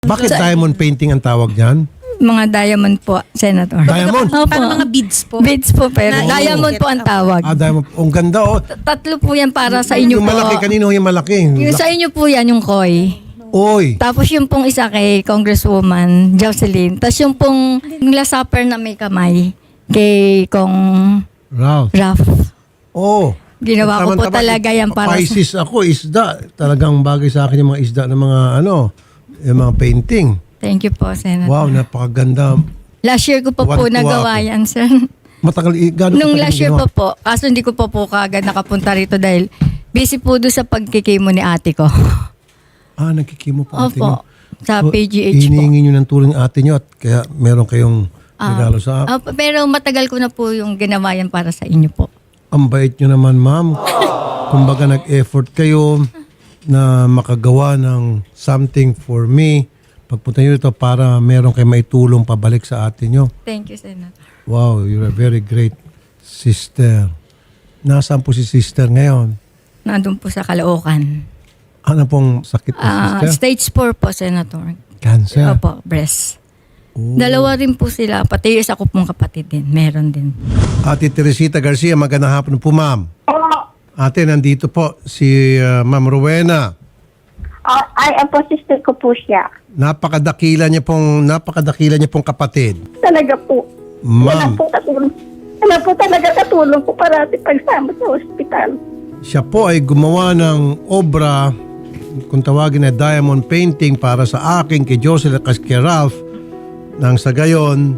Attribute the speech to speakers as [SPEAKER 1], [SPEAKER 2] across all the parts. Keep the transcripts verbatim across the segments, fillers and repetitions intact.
[SPEAKER 1] Bakit diamond painting ang tawag niyan?
[SPEAKER 2] Mga diamond po, Senator.
[SPEAKER 1] Diamond?
[SPEAKER 2] Opo.
[SPEAKER 3] Parang mga beads po.
[SPEAKER 2] Beads po, pero
[SPEAKER 3] Na-
[SPEAKER 2] diamond po ang tawag.
[SPEAKER 1] Ah, diamond. Ang ganda oh.
[SPEAKER 2] Tatlo po yan para sa inyo
[SPEAKER 1] Yung
[SPEAKER 2] po.
[SPEAKER 1] malaki, kanino yung malaki?
[SPEAKER 2] Yung sa inyo po yan, yung koi.
[SPEAKER 1] Oy.
[SPEAKER 2] Tapos yung pong isa kay Congresswoman Jocelyn. Tapos yung pong yung last supper na may kamay kay Kong
[SPEAKER 1] Ralph.
[SPEAKER 2] Raf.
[SPEAKER 1] Oh.
[SPEAKER 2] Ginawa ko po
[SPEAKER 1] Tama-tama.
[SPEAKER 2] talaga yan para sa...
[SPEAKER 1] Pisces ako, isda. Talagang bagay sa akin yung mga isda ng mga ano, yung mga painting.
[SPEAKER 2] Thank you po, Senator.
[SPEAKER 1] Wow, napakaganda.
[SPEAKER 2] Last year ko pa po
[SPEAKER 1] Tuwan-tuwa
[SPEAKER 2] nagawa
[SPEAKER 1] ako.
[SPEAKER 2] yan, sir.
[SPEAKER 1] Matagal, i- gano'n
[SPEAKER 2] Nung
[SPEAKER 1] katagal
[SPEAKER 2] last year
[SPEAKER 1] ginawa?
[SPEAKER 2] pa po. Kaso hindi ko pa po kagad nakapunta rito dahil busy po doon sa pagkikimo ni ate ko.
[SPEAKER 1] Ah, nagkikimo po ate nyo.
[SPEAKER 2] Opo. Sa
[SPEAKER 1] So,
[SPEAKER 2] P G H po.
[SPEAKER 1] hinihingi nyo ng tulong ate nyo at kaya meron kayong regalo sa
[SPEAKER 2] Ah, pero matagal ko na po yung ginawa yan para sa inyo po.
[SPEAKER 1] Ang bait nyo naman, ma'am. Kumbaga nag-effort kayo na makagawa ng something for me. Pagpunta nyo dito para meron kayo maitulong pabalik sa atin nyo.
[SPEAKER 2] Thank you, Senator.
[SPEAKER 1] Wow, you're a very great sister. Nasaan po si sister ngayon?
[SPEAKER 2] Nandun po sa Caloocan.
[SPEAKER 1] Ano pong sakit ng
[SPEAKER 2] Ah,
[SPEAKER 1] sister?
[SPEAKER 2] stage four po, Senator.
[SPEAKER 1] Cancer.
[SPEAKER 2] Opo, breast.
[SPEAKER 1] Oh.
[SPEAKER 2] Dalawa rin po sila. Pati yung isa ko pong kapatid din. Meron din.
[SPEAKER 1] Ate Teresita Garcia, magandang hapon po, ma'am. Ate, nandito po si uh, Ma'am Rowena.
[SPEAKER 4] Ah, ay, ang po, sister ko po siya.
[SPEAKER 1] Napakadakila niya pong napakadakila niya pong kapatid.
[SPEAKER 4] Talaga po. Wala
[SPEAKER 1] Ma'am,
[SPEAKER 4] po katulong. Wala po talaga katulong ko parati pagsama sa ospital.
[SPEAKER 1] siya po ay gumawa ng obra, kung tawagin na diamond painting para sa akin, kay Jocelyn at kay Ralph, nang sa gayon,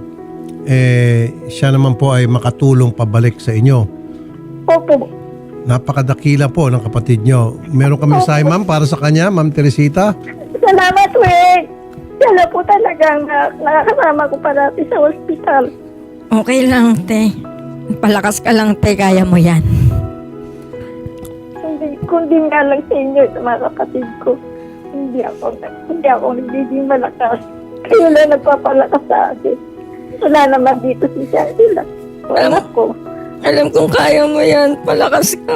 [SPEAKER 1] eh, siya naman po ay makatulong pabalik sa inyo.
[SPEAKER 4] Opo.
[SPEAKER 1] Napakadakila po ng kapatid nyo. Meron kami mensahe, ma'am, para sa kanya, Ma'am Teresita.
[SPEAKER 4] Salamat, Weng. Sila po talagang uh, nakakasama ko parati sa ospital.
[SPEAKER 2] Okay lang, te. Palakas ka lang, te. Kaya mo yan.
[SPEAKER 4] Hindi, kundi nga lang sa inyo, sa mga kapatid ko. Hindi ako, hindi ako nagiging malakas. Kayo lang nagpapalakas sa akin. Wala naman dito si Shangela. Wala ko.
[SPEAKER 2] Alam kong kaya mo yan. Palakas ka.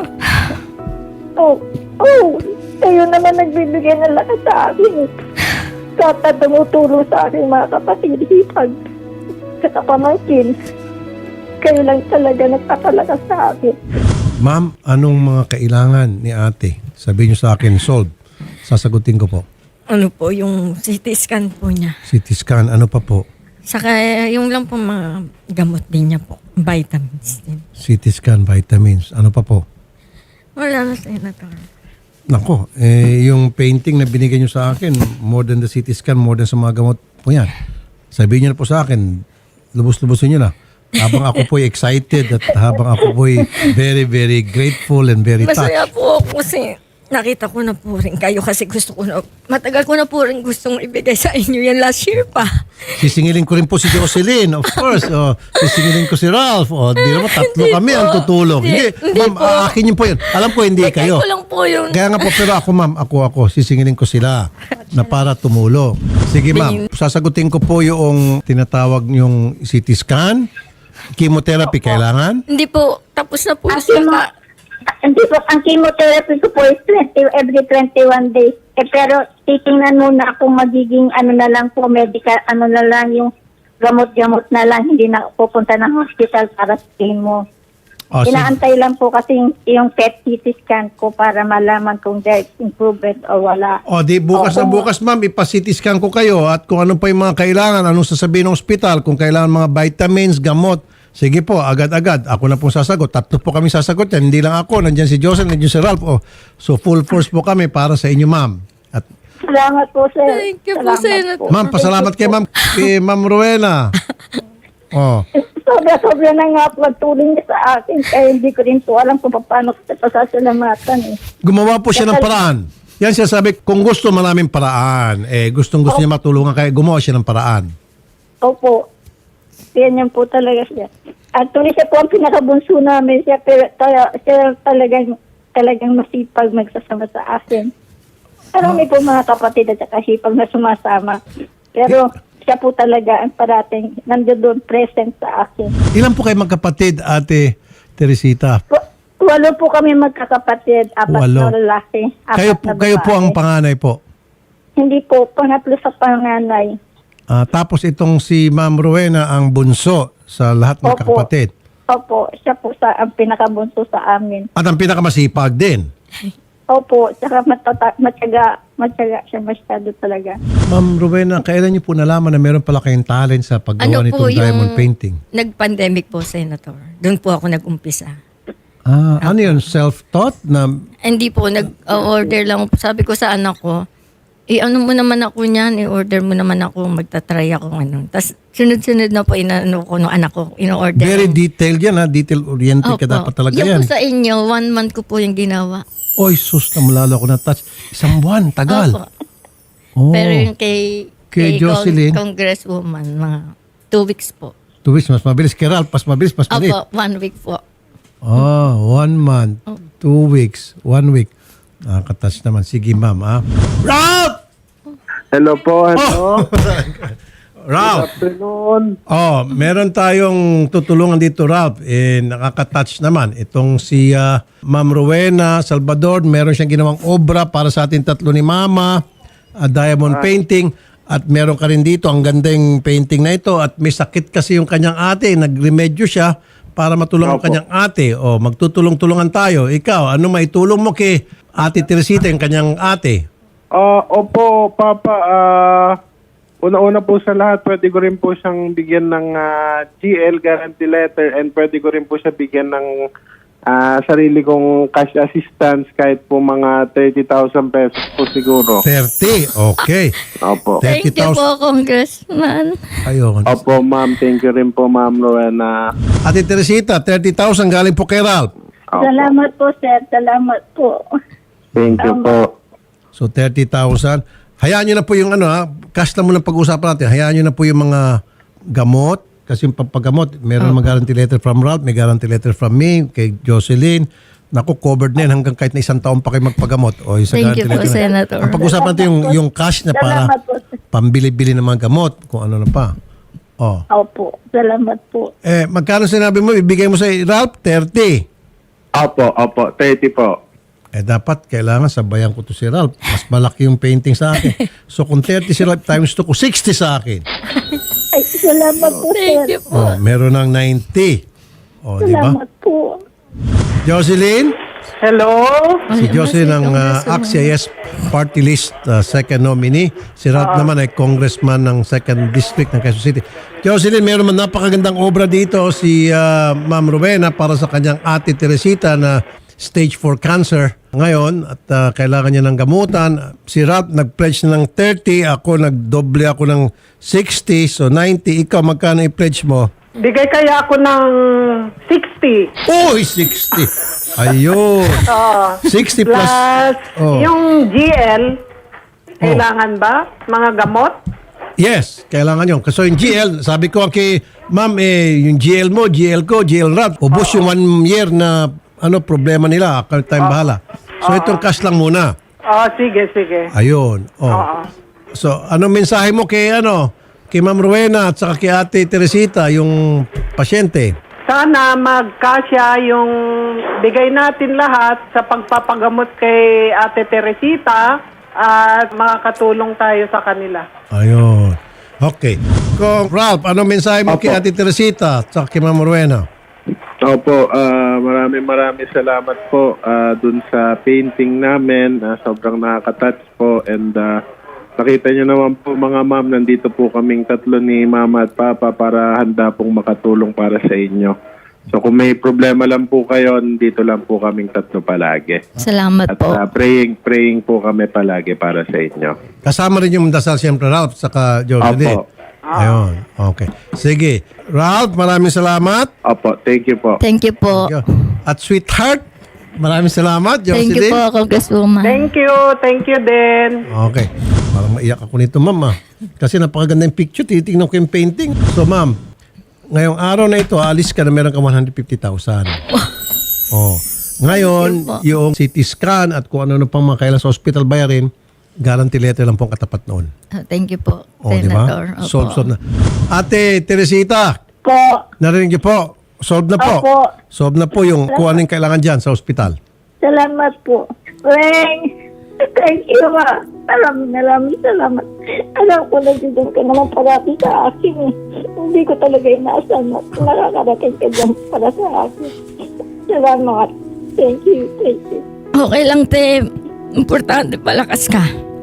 [SPEAKER 4] Oh, oh, kayo naman nagbibigay ng lakas sa akin. Kata tumutulong sa akin mga kapatid, hipag, sa kapamangkin. Kayo lang talaga nagpapalakas sa akin.
[SPEAKER 1] Ma'am, anong mga kailangan ni ate? Sabihin niyo sa akin, solve. Sasagutin ko po.
[SPEAKER 2] Ano po, yung C T scan po niya.
[SPEAKER 1] C T scan, ano pa po?
[SPEAKER 2] Saka yung lang po mga gamot din niya po. Vitamins din.
[SPEAKER 1] C T scan, vitamins, ano pa po?
[SPEAKER 2] Wala na, Senator.
[SPEAKER 1] Nako, eh, yung painting na binigay niyo sa akin, more than the C T scan, more than sa mga gamot po yan. Sabihin niyo na po sa akin, lubos-lubosin niyo na. Habang ako po'y excited at habang ako po'y very, very grateful and very touched.
[SPEAKER 2] Masaya po ako kasi nakita ko na po rin kayo kasi gusto ko na, matagal ko na po rin gustong ibigay sa inyo yan last year pa.
[SPEAKER 1] Sisingilin ko rin po si Jocelyn, of course. O, sisingilin ko si Ralph. O, di naman, tatlo
[SPEAKER 2] Hindi
[SPEAKER 1] kami
[SPEAKER 2] po.
[SPEAKER 1] ang tutulong.
[SPEAKER 2] Hindi,
[SPEAKER 1] Hindi,
[SPEAKER 2] hindi
[SPEAKER 1] ma'am,
[SPEAKER 2] po.
[SPEAKER 1] akin yun po yun. Alam ko, hindi
[SPEAKER 2] Bigay
[SPEAKER 1] kayo.
[SPEAKER 2] ko lang po yun.
[SPEAKER 1] Kaya nga po, pero ako ma'am, ako ako, sisingilin ko sila na para tumulong. Sige ma'am, sasagutin ko po yung tinatawag yung C T scan, chemotherapy kailangan.
[SPEAKER 2] Hindi po, tapos na po
[SPEAKER 4] Ang
[SPEAKER 2] siya.
[SPEAKER 4] chemo, hindi po, ang chemotherapy ko po is twenty, every twenty-one days. Eh, pero titingnan muna kung magiging ano na lang po, medical, ano na lang yung gamot-gamot na lang, hindi na pupunta ng hospital para sa chemo.
[SPEAKER 1] O, sige.
[SPEAKER 4] Inaantay lang po kasi yung, yung P E T C T scan ko para malaman kung there's improvement o wala.
[SPEAKER 1] O di bukas na
[SPEAKER 4] Oo.
[SPEAKER 1] bukas ma'am, ipa-C T scan ko kayo at kung ano pa yung mga kailangan, anong sasabihin ng ospital, kung kailangan mga vitamins, gamot, sige po, agad-agad. Ako na pong sasagot. Tatlo po kami sasagot yan. Hindi lang ako. Nandiyan si Joseph, nandiyan si Ralph. O, so full force po kami para sa inyo ma'am. At
[SPEAKER 4] Salamat po, sir.
[SPEAKER 2] Thank you po,
[SPEAKER 4] Salamat
[SPEAKER 2] Senator.
[SPEAKER 1] ma'am, pasalamat kay ma'am, kay ma'am Rowena. Oh.
[SPEAKER 4] Sobra-sobra na nga po ang tulong niya sa akin kaya hindi ko rin po alam kung paano ko pasasalamatan eh.
[SPEAKER 1] Gumawa po siya ng paraan. Yan siya sabi, kung gusto maraming paraan. Eh, gustong gusto niya matulungan kaya gumawa siya ng paraan.
[SPEAKER 4] Opo. Ganyan po talaga siya. Actually, siya po ang pinakabunso namin siya, pero tala, siya talagang, talagang masipag magsasama sa akin. Marami po mga kapatid at saka sipag na sumasama. Pero siya po talaga ang parating nandiyo doon present sa akin.
[SPEAKER 1] Ilan po kayo magkapatid, Ate Teresita?
[SPEAKER 4] W- Walo po kami magkakapatid, apat
[SPEAKER 1] Walo.
[SPEAKER 4] na lalaki. Apat
[SPEAKER 1] Kayo po,
[SPEAKER 4] na
[SPEAKER 1] kayo po
[SPEAKER 4] babae.
[SPEAKER 1] ang panganay po.
[SPEAKER 4] Hindi po, pangatlo sa panganay.
[SPEAKER 1] Ah, tapos itong si Ma'am Rowena ang bunso sa lahat ng
[SPEAKER 4] Opo.
[SPEAKER 1] kakapatid.
[SPEAKER 4] Opo, siya po sa, ang pinakabunso sa amin.
[SPEAKER 1] At ang pinakamasipag din.
[SPEAKER 4] Opo, tsaka matata, matyaga, matyaga siya masyado talaga.
[SPEAKER 1] Ma'am Rowena, kailan niyo po nalaman na meron pala kayong talent sa paggawa
[SPEAKER 2] Ano po
[SPEAKER 1] nitong diamond
[SPEAKER 2] yung
[SPEAKER 1] painting?
[SPEAKER 2] nag-pandemic po, Senator. Doon po ako nag-umpisa.
[SPEAKER 1] Ah, ano yun? Self-taught na
[SPEAKER 2] Hindi po, nag-order lang. Sabi ko sa anak ko, i-ano mo naman ako niyan, i-order mo naman ako, magta-try ako ano. Tapos sunod-sunod na po inano ko ng anak ko, in-order.
[SPEAKER 1] very
[SPEAKER 2] ko.
[SPEAKER 1] detailed yan ha? Detail-oriented ka
[SPEAKER 2] Opo.
[SPEAKER 1] dapat talaga
[SPEAKER 2] Yung
[SPEAKER 1] yan.
[SPEAKER 2] po sa inyo, one month ko po yung ginawa.
[SPEAKER 1] Oy, sus, na malalo ako na-touch. Isang buwan, tagal.
[SPEAKER 2] Opo.
[SPEAKER 1] Oh.
[SPEAKER 2] Pero yung kay,
[SPEAKER 1] Kay Jocelyn?
[SPEAKER 2] Cong- Congresswoman, mga two weeks po.
[SPEAKER 1] Two weeks, mas mabilis. Kay Ralph, mas mabilis, mas maliit.
[SPEAKER 2] Opo, one week po.
[SPEAKER 1] Oh, one month, two weeks, one week. Nakaka-touch naman. Sige, ma'am, ha? Ralph!
[SPEAKER 3] Hello po, ano?
[SPEAKER 1] Ralph!
[SPEAKER 3] Afternoon.
[SPEAKER 1] Oh, meron tayong tutulungan dito, Ralph. Eh, nakaka-touch naman. Itong si ah, Ma'am Rowena Salvador, meron siyang ginawang obra para sa ating tatlo ni Mama, ah, diamond painting. At meron ka rin dito, ang gandang painting na ito. At may sakit kasi yung kanyang ate. Nagremedyo siya para matulungan ang
[SPEAKER 3] Opo.
[SPEAKER 1] kanyang ate. O, magtutulong-tulungan tayo. Ikaw, ano maitulong mo kay Ate Teresita, yung kanyang ate?
[SPEAKER 3] Ah, opo, Papa. Ah, una-una po sa lahat, pwede ko rin po siyang bigyan ng ah, G L guarantee letter and pwede ko rin po siya bigyan ng ah, sarili kong cash assistance kahit po mga thirty thousand pesos po siguro.
[SPEAKER 1] thirty. Okay.
[SPEAKER 3] Opo.
[SPEAKER 2] Thank you
[SPEAKER 1] thirty thousand.
[SPEAKER 2] po, Congressman.
[SPEAKER 1] Ayun.
[SPEAKER 3] Opo, ma'am. Thank you rin po, ma'am Rowena.
[SPEAKER 1] Ate Teresita, thirty thousand galing po kay Ralph.
[SPEAKER 3] Opo.
[SPEAKER 4] Salamat po, sir. Salamat po.
[SPEAKER 3] Thank you po.
[SPEAKER 1] So thirty thousand. Hayaan nyo na po yung ano ha, cash na muna pag-usapan natin. Hayaan nyo na po yung mga gamot. Kasi yung pagpagamot, meron mga guarantee letter from Ralph, may guarantee letter from me, kay Jocelyn. Naku, covered na yan hanggang kahit na isang taon pa kayo magpagamot. O, isa
[SPEAKER 2] Thank you
[SPEAKER 1] guarantee
[SPEAKER 2] po,
[SPEAKER 1] letter na.
[SPEAKER 2] Senator.
[SPEAKER 1] Ang pag-usapan natin yung, yung cash na para
[SPEAKER 4] Salamat po, sir.
[SPEAKER 1] pambili-bili ng mga gamot, kung ano na pa. Oh.
[SPEAKER 4] Opo, salamat po.
[SPEAKER 1] Eh, magkano sinabi mo, ibigay mo sa Ralph? thirty.
[SPEAKER 3] Opo, opo. thirty po.
[SPEAKER 1] Eh dapat kailangan sabayan ko to si Ralph. Mas malaki yung painting sa akin. So kung thirty si Ralph times two ko, sixty sa akin.
[SPEAKER 4] Ay, salamat po, sir.
[SPEAKER 2] Thank you po.
[SPEAKER 1] Oh, meron ng ninety. Oh, di ba?
[SPEAKER 4] Salamat po.
[SPEAKER 1] Jocelyn?
[SPEAKER 3] Hello?
[SPEAKER 1] Si Jocelyn ang uh, A C C I S Party List uh, second nominee. Si Ralph naman ay congressman ng second district ng Quezon City. Jocelyn, meron man napakagandang obra dito si uh, Ma'am Rowena para sa kanyang ate Teresita na stage four cancer ngayon at uh, kailangan niya ng gamutan. Si Ralph nag-pledge na ng thirty, ako nagdoble ako ng sixty, so ninety. Ikaw, magkano i-pledge mo?
[SPEAKER 5] Bigay kaya ako ng sixty.
[SPEAKER 1] Uy, sixty. Ayun. sixty plus.
[SPEAKER 5] Plus,
[SPEAKER 1] Oh.
[SPEAKER 5] yung G L, kailangan ba? Mga gamot?
[SPEAKER 1] Yes, kailangan yun. Kasi yung G L, sabi ko kay ma'am, eh, yung G L mo, G L ko, G L Ralph, ubos yung one year na ano problema nila, ako time bahala. So itong cash lang muna.
[SPEAKER 5] Oh, sige, sige.
[SPEAKER 1] Ayun. Oh.
[SPEAKER 5] Oo.
[SPEAKER 1] So, anong mensahe mo kay ano, kay Ma'am Rowena at saka kay Ate Teresita, yung pasyente?
[SPEAKER 5] Sana magkasya yung bigay natin lahat sa pagpapagamot kay Ate Teresita at makakatulong tayo sa kanila.
[SPEAKER 1] Ayun. Okay. Kung Ralph, anong mensahe mo
[SPEAKER 3] Opo.
[SPEAKER 1] kay Ate Teresita at saka kay Ma'am Rowena?
[SPEAKER 3] Opo, ah, maraming maraming salamat po ah, dun sa painting namin. Ah, sobrang nakaka-touch po and ah, nakita nyo naman po mga ma'am, nandito po kaming tatlo ni Mama at Papa para handa pong makatulong para sa inyo. So kung may problema lang po kayo, dito lang po kaming tatlo palagi.
[SPEAKER 2] Salamat
[SPEAKER 3] At
[SPEAKER 2] po.
[SPEAKER 3] ah, praying, praying po kami palagi para sa inyo.
[SPEAKER 1] Kasama rin yung dasal siyempre Ralph saka Jocelyn.
[SPEAKER 3] Opo.
[SPEAKER 1] Ayun. Okay. Sige. Ralph, maraming salamat.
[SPEAKER 3] Opo, thank you po.
[SPEAKER 2] Thank you po.
[SPEAKER 1] At sweetheart, maraming salamat,
[SPEAKER 2] Thank you
[SPEAKER 1] Jocelyn.
[SPEAKER 2] po, Congresswoman.
[SPEAKER 5] Thank you, thank you din.
[SPEAKER 1] Okay. Parang maiyak ako nito, ma'am. Ah. Kasi napakaganda yung picture. Titignan ko yung painting. So, ma'am, ngayong araw na ito, alis ka na meron ka one hundred fifty thousand. Oh. Ngayon, yung C T scan at kung ano-ano pang mga kailangan sa hospital bayarin, guarantee letter lang po ang katapat noon.
[SPEAKER 2] Ah, Thank you po,
[SPEAKER 1] O, di
[SPEAKER 2] Senator.
[SPEAKER 1] ba?
[SPEAKER 2] Opo.
[SPEAKER 1] Solve, solve na. Ate Teresita,
[SPEAKER 4] Po.
[SPEAKER 1] narinig niyo po. Solve na po.
[SPEAKER 4] Opo.
[SPEAKER 1] Solve na po yung kung ano yung kailangan dyan sa hospital.
[SPEAKER 4] Salamat po. Weng, Thank you, ma. Maraming maraming salamat. Alam ko na dyan ka naman parati sa akin eh. Hindi ko talaga inaasahan na nakakarating ka dyan para sa akin. Salamat. Thank you, thank you.
[SPEAKER 2] Okay lang, te. Importante, palakas ka.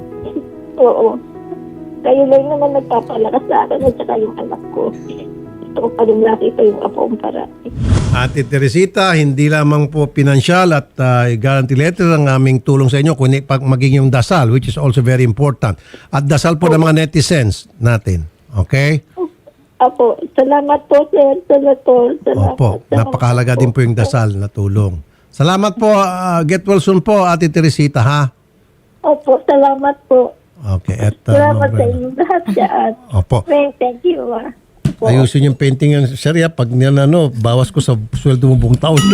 [SPEAKER 4] Oo. Kayo lang naman nagpapalakas sa akin at saka yung anak ko. Gusto ko pa rin nakita yung apo kong parati.
[SPEAKER 1] Ate Teresita, hindi lamang po pinansyal at uh, guarantee letter ang aming tulong sa inyo, kundi pag maging yung dasal, which is also very important. At dasal po ng mga netizens natin. Okay?
[SPEAKER 4] Apo, salamat po, sir. Senator. Salamat.
[SPEAKER 1] Opo,
[SPEAKER 4] Salamat
[SPEAKER 1] napakahalaga
[SPEAKER 4] po.
[SPEAKER 1] din po yung dasal na tulong. Salamat po, uh, get well soon po, Ate Teresita, ha?
[SPEAKER 4] Opo, salamat po.
[SPEAKER 1] Okay, at uh,
[SPEAKER 4] Salamat
[SPEAKER 1] no,
[SPEAKER 4] sa inyong lahat dyan.
[SPEAKER 1] Opo.
[SPEAKER 4] Thank thank you, ma. Opo.
[SPEAKER 1] Ayusin yung painting yan, sir, ya. Pag niyan, ano, bawas ko sa sweldo mo buong taon.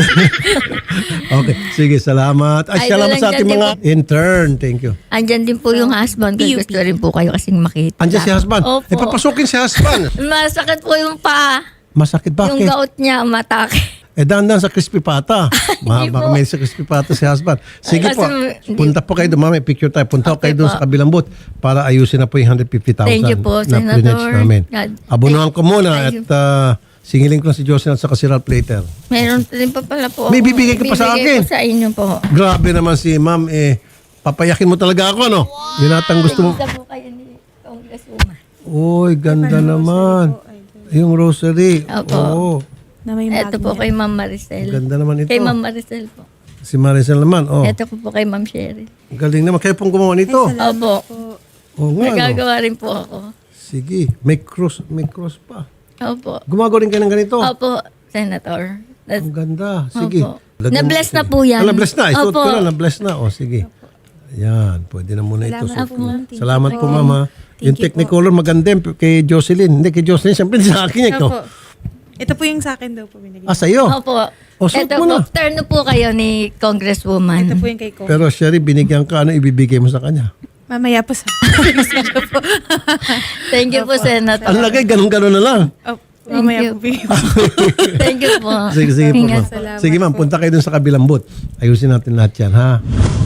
[SPEAKER 1] Okay, sige, salamat. Ay,
[SPEAKER 2] Ay,
[SPEAKER 1] salamat sa
[SPEAKER 2] dalang
[SPEAKER 1] ating
[SPEAKER 2] dyan
[SPEAKER 1] mga intern. Thank you.
[SPEAKER 2] Andyan din po yung husband ko. Gusto rin po kayo kasing makita.
[SPEAKER 1] Andiyan si husband.
[SPEAKER 2] Opo.
[SPEAKER 1] Eh, papasukin si husband.
[SPEAKER 2] Masakit po yung paa.
[SPEAKER 1] Masakit
[SPEAKER 2] Yung
[SPEAKER 1] bakit?
[SPEAKER 2] gout niya, matake.
[SPEAKER 1] Eh, dandan sa crispy pata. Ma,
[SPEAKER 2] Hindi
[SPEAKER 1] baka
[SPEAKER 2] po.
[SPEAKER 1] may sa crispy pata si husband. Sige
[SPEAKER 2] Ay,
[SPEAKER 1] po,
[SPEAKER 2] kasi-
[SPEAKER 1] punta po kayo doon, mami. Picture tayo. Punta
[SPEAKER 2] Okay
[SPEAKER 1] kayo doon
[SPEAKER 2] po.
[SPEAKER 1] sa kabilang booth para ayusin na po yung one hundred fifty thousand
[SPEAKER 2] Thank you po,
[SPEAKER 1] na
[SPEAKER 2] Senator.
[SPEAKER 1] pledge namin.
[SPEAKER 2] God.
[SPEAKER 1] Abunuhan ko muna
[SPEAKER 2] Thank
[SPEAKER 1] at
[SPEAKER 2] you.
[SPEAKER 1] uh, singilin ko na si Jocelyn at saka si Ralph later.
[SPEAKER 2] Meron din pa pala po.
[SPEAKER 1] May
[SPEAKER 2] ako.
[SPEAKER 1] bibigay ka pa sa
[SPEAKER 2] Bibigay
[SPEAKER 1] akin?
[SPEAKER 2] ko sa inyo po.
[SPEAKER 1] Grabe naman si ma'am. Eh, papayakin mo talaga ako, ano? Yun atang gusto mo.
[SPEAKER 2] Isa po kayo ni Congresswoman.
[SPEAKER 1] Uy, ganda naman. Yung rosary.
[SPEAKER 2] Opo.
[SPEAKER 1] Oo.
[SPEAKER 6] Na may
[SPEAKER 2] Ito po
[SPEAKER 6] magnet.
[SPEAKER 2] kay Ma'am Maricel.
[SPEAKER 1] Ganda naman ito.
[SPEAKER 2] Kay Ma'am Maricel po.
[SPEAKER 1] Si Maricel naman. Oh.
[SPEAKER 2] Ito po po kay Ma'am Cheryl.
[SPEAKER 1] Galing naman. Kayo pong gumawa nito.
[SPEAKER 2] Opo.
[SPEAKER 1] Oo nga, no?
[SPEAKER 2] Nagagawa rin po ako.
[SPEAKER 1] Sige. May cross, may cross pa.
[SPEAKER 2] Opo.
[SPEAKER 1] Gumagawa rin kayo ng ganito.
[SPEAKER 2] Opo, Senator. That's-
[SPEAKER 1] Ang ganda. Sige.
[SPEAKER 2] Opo.
[SPEAKER 1] Lagyan mo-
[SPEAKER 2] Na-bless na
[SPEAKER 1] sige.
[SPEAKER 2] po yan.
[SPEAKER 1] Ah, na-bless na. Isuot
[SPEAKER 2] Opo.
[SPEAKER 1] ko na. Na-bless na. O, sige. Ayan. Pwede na muna ito.
[SPEAKER 6] Salamat
[SPEAKER 1] Suot
[SPEAKER 6] po,
[SPEAKER 1] mo.
[SPEAKER 6] ma'am. Thank
[SPEAKER 1] Salamat
[SPEAKER 6] you
[SPEAKER 1] po,
[SPEAKER 6] po.
[SPEAKER 1] mama.
[SPEAKER 6] Thank
[SPEAKER 1] Yung
[SPEAKER 6] you
[SPEAKER 1] Technicolor maganda yun kay Jocelyn. Hindi kay Jocelyn. Siyempre sa akin ito.
[SPEAKER 6] Opo. Ito po yung sa akin daw po binigay.
[SPEAKER 1] Ah, sa'yo.
[SPEAKER 2] Opo.
[SPEAKER 1] O, suot
[SPEAKER 2] Ito
[SPEAKER 1] mo
[SPEAKER 2] po,
[SPEAKER 1] na.
[SPEAKER 2] turn na po kayo ni Congresswoman.
[SPEAKER 6] Ito po yung kay ko.
[SPEAKER 1] Pero Sherry, binigyan ka. Ano ibibigay mo sa kanya?
[SPEAKER 6] Mamaya po sa
[SPEAKER 2] Thank you po, Senator.
[SPEAKER 1] Ang lagay, ganun-ganun na lang.
[SPEAKER 6] oh, mamaya
[SPEAKER 2] you.
[SPEAKER 6] po bigay.
[SPEAKER 2] Thank you po.
[SPEAKER 1] Sige, sige po.
[SPEAKER 2] Ingat.
[SPEAKER 1] Ma'am. Sige ma'am, punta kayo dun sa kabilang booth. Ayusin natin lahat yan, ha?